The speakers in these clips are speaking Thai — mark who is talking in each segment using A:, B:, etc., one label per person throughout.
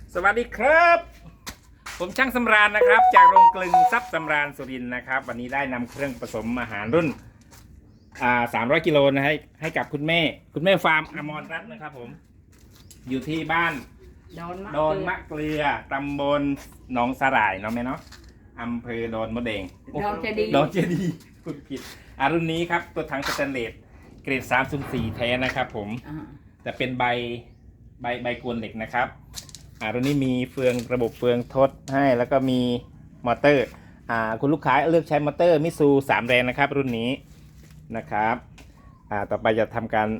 A: สวัสดีครับผมช่างสำราญนะครับจากโรงกลึงทรัพย์สำราญสุรินทร์นะครับวันนี้ได้นำเครื่องผสมอาหารรุ่น300 กิโลนะให้กับคุณแม่ฟาร์มอมรรัตน์นะครับผมอยู่ที่บ้านโดนมะเกลือตำบลหนองสาหร่ายเนาะแม่เนาะอำเภอโดนมะเดงโดนเจดีพูดผิดรุ่นนี้ครับตัวถังสแตนเลสเกรด304แท้นะครับผมแต่เป็นใบกวนเหล็กนะครับรุ่นนี้มีระบบเฟืองทดให้แล้วก็มีมอเตอร์คุณลูกค้าเลือกใช้มอเตอร์มิซู3แรงนะครับรุ่นนี้นะครับต่อไปจะทำการ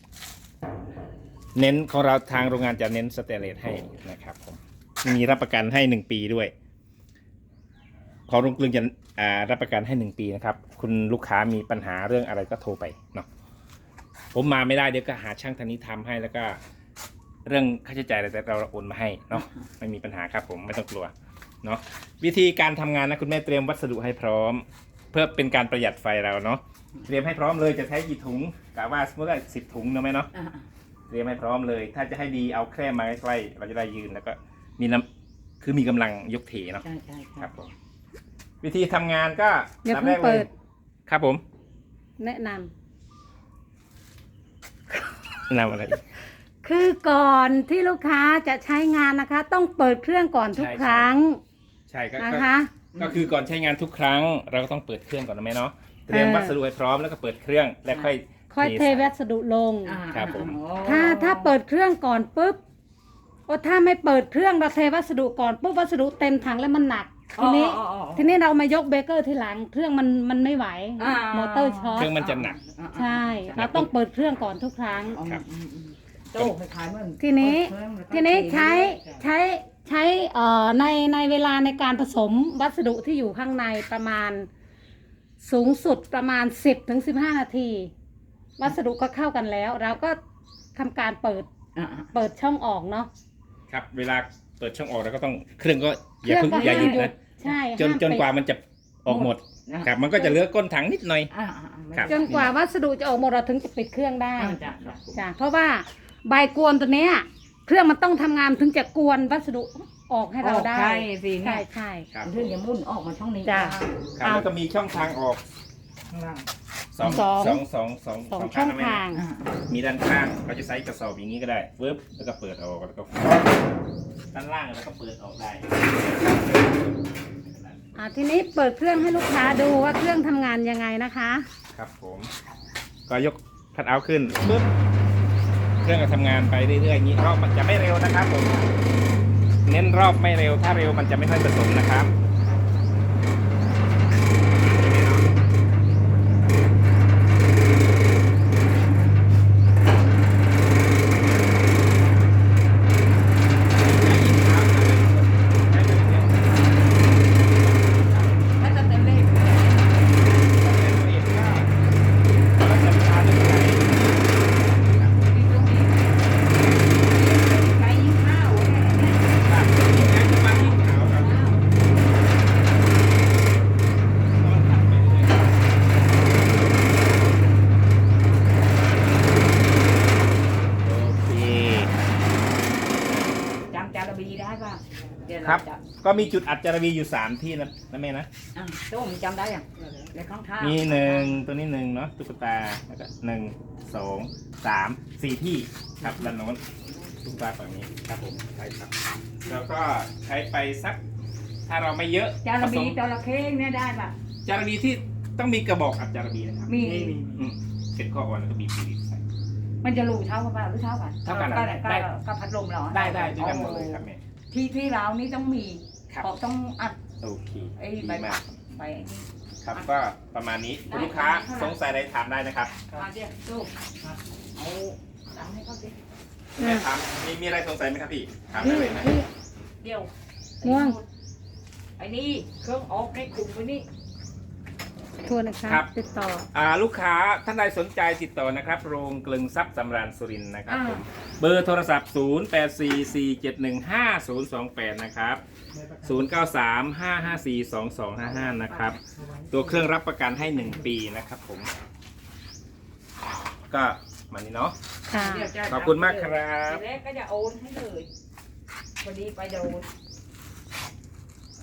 A: เน้นของเราทางโรงงานจะเน้นสเตนเลสให้นะครับผมมีรับประกันให้1 ปีด้วยของโรงกลึงจะรับประกันให้1 ปีนะครับคุณลูกค้ามีปัญหาเรื่องอะไรก็โทรไปเนาะผมมาไม่ได้เดี๋ยวก็หาช่างทางนี้ทำให้แล้วก็เรื่องค่าใช้จ่ายอะไรแต่เราโอนมาให้เนาะไม่มีปัญหาครับผมไม่ต้องกลัวเนาะวิธีการทำงานนะคุณแม่เตรียมวัสดุให้พร้อมเพื่อเป็นการประหยัดไฟเราเนาะเตรียมให้พร้อมเลยจะใช้กี่ถุงกะว่าสมมติว่า10 ถุงเนาะไหมเนาะเตรียมให้พร้อมเลยถ้าจะให้ดีเอาแคร่มาใกล้ๆเราจะได้ยืนแล้วก็มีกำลังยกเถเนาะใช่ครับผมวิธีทำงานก็
B: อย่าเพิ่งเปิด
A: ครับผม
B: แนะน
A: ำอะไร
B: คือก่อนที่ลูกค้าจะใช้งานนะคะ ต้องเปิดเครื่องก่อนทุกครั้ง
A: ใช่
B: นะคะ
A: ก็คือก่อนใช้งานทุกครั้งเราก็ต้องเปิดเครื่องก่อนนะแม่เนาะเตรียมวัสดุให้พร้อมแล้วก็เปิดเครื่องแล้วค่อย
B: เทวัสดุลง
A: ครับผม
B: ถ้าเปิดเครื่องก่อนปุ๊บถ้าไม่เปิดเครื่องเราเทวัสดุก่อนปุ๊บวัสดุเต็มถังแล้วมันหนักทีนี้เรามายกเบเกอร์ทีหลังเครื่องมันไม่ไหวมอเตอร์ช็อต
A: เครื่องมันจะหนัก
B: ใช่เราต้องเปิดเครื่องก่อนทุกครั้งทีนี้ใช้ในเวลาในการผสมวัสดุที่อยู่ข้างในประมาณสูงสุดประมาณ10 ถึง 15 นาทีวัสดุก็เข้ากันแล้วเราก็ทำการเปิดช่องออกเนาะ
A: ครับเวลาเปิดช่องออกแล้วก็ต้องเครื่องก็อย่าหยุดนะ
B: ใช่
A: จนกว่ามันจะออกหมดครับมันก็จะเหลือก้นถังนิดหน่อย
B: จนกว่าวัสดุจะออกหมดเราถึงจะปิดเครื่องได้จ้ะเพราะว่าใบกวนตัวเนี้ยเครื่องมันต้องทำงานถึงจะกวนวัสดุออกให้เราได้
C: ใช่สิ
B: ใช่
C: เครื่องจะมุ่นออกมาช่องนี้
B: จ้ะ
A: แล้วก็มีช่องทางออก
C: ข้างล่าง
A: สอง
B: ช่องทาง
A: มีด้านข้างเราจะใช้กระสอบอย่างนี้ก็ได้ปึ๊บแล้วก็เปิดออกแล้วก็ด้านล่างแล้วก็เปิดออกได้
B: ทีนี้เปิดเครื่องให้ลูกค้าดูว่าเครื่องทำงานยังไงนะคะ
A: ครับผมก็ยกคัทเอาท์ขึ้นปึ๊บเครื่องก็ทำงานไปเรื่อยๆอย่างนี้รอบมันจะไม่เร็วนะครับผมเน้นรอบไม่เร็วถ้าเร็วมันจะไม่ค่อยผสมนะครับครับก็มีจุดอัดจารวีอยู่3 ที่นะแม่นะ
C: ตัวผมจำได้อย่างในข้างท่า
A: มีตัวนี้1เนาะตุ๊กตาแล้วก็1 2 3 4 ที่ครับด้านโน้นตุ๊กตาฝั่งนี้ครับผมใช่ครับแล้วก็ใช้ไปสักถ้าเราไม่เยอะ
C: จารวีจระเข้เนี่ยได้ป่ะ
A: จารวีที่ต้องมีกระบอกอัดจารวีนะครับ
C: มี
A: เป็นข้ออ่อนแล้วก็มีปีใส่
C: มันจะรูเท่ากันป่ะหรือเท่ากัน
A: ได้
C: ก็พัดลมเหรอ
A: ได้ด้วยกันหมดเลยครับแม่
C: ที่เรานี่ต้องมีต้องอัด
A: โอเค
C: ดีมากไป
A: ครับก็ประมาณนี้คุณลูกค้าสงสัยอะไรถามได้นะครับ
C: เดี๋ยวลูกเอาตามให้เขาสิ
A: ถามมีอะไรสงสัยไหมครับพี่ถามได้เลยนะ
C: เดี๋ยว
B: ง่วง
C: ไอ้นี่เครื่องออกให้กลุ่มไปนี่
B: ทัวร์นะคะติดต่อ
A: ลูกค้าท่านใดสนใจติดต่อนะครับโรงกลึงทรัพย์สำราญสุรินทร์นะครับผมเบอร์โทรศัพท์0844715028นะครับ0935542255นะครับตัวเครื่องรับประกันให้1 ปีนะครับผมก็มานี่เนาะขอบคุณมากครับ
C: แล้วก็จะโอนให้เลยพอดีไปโดน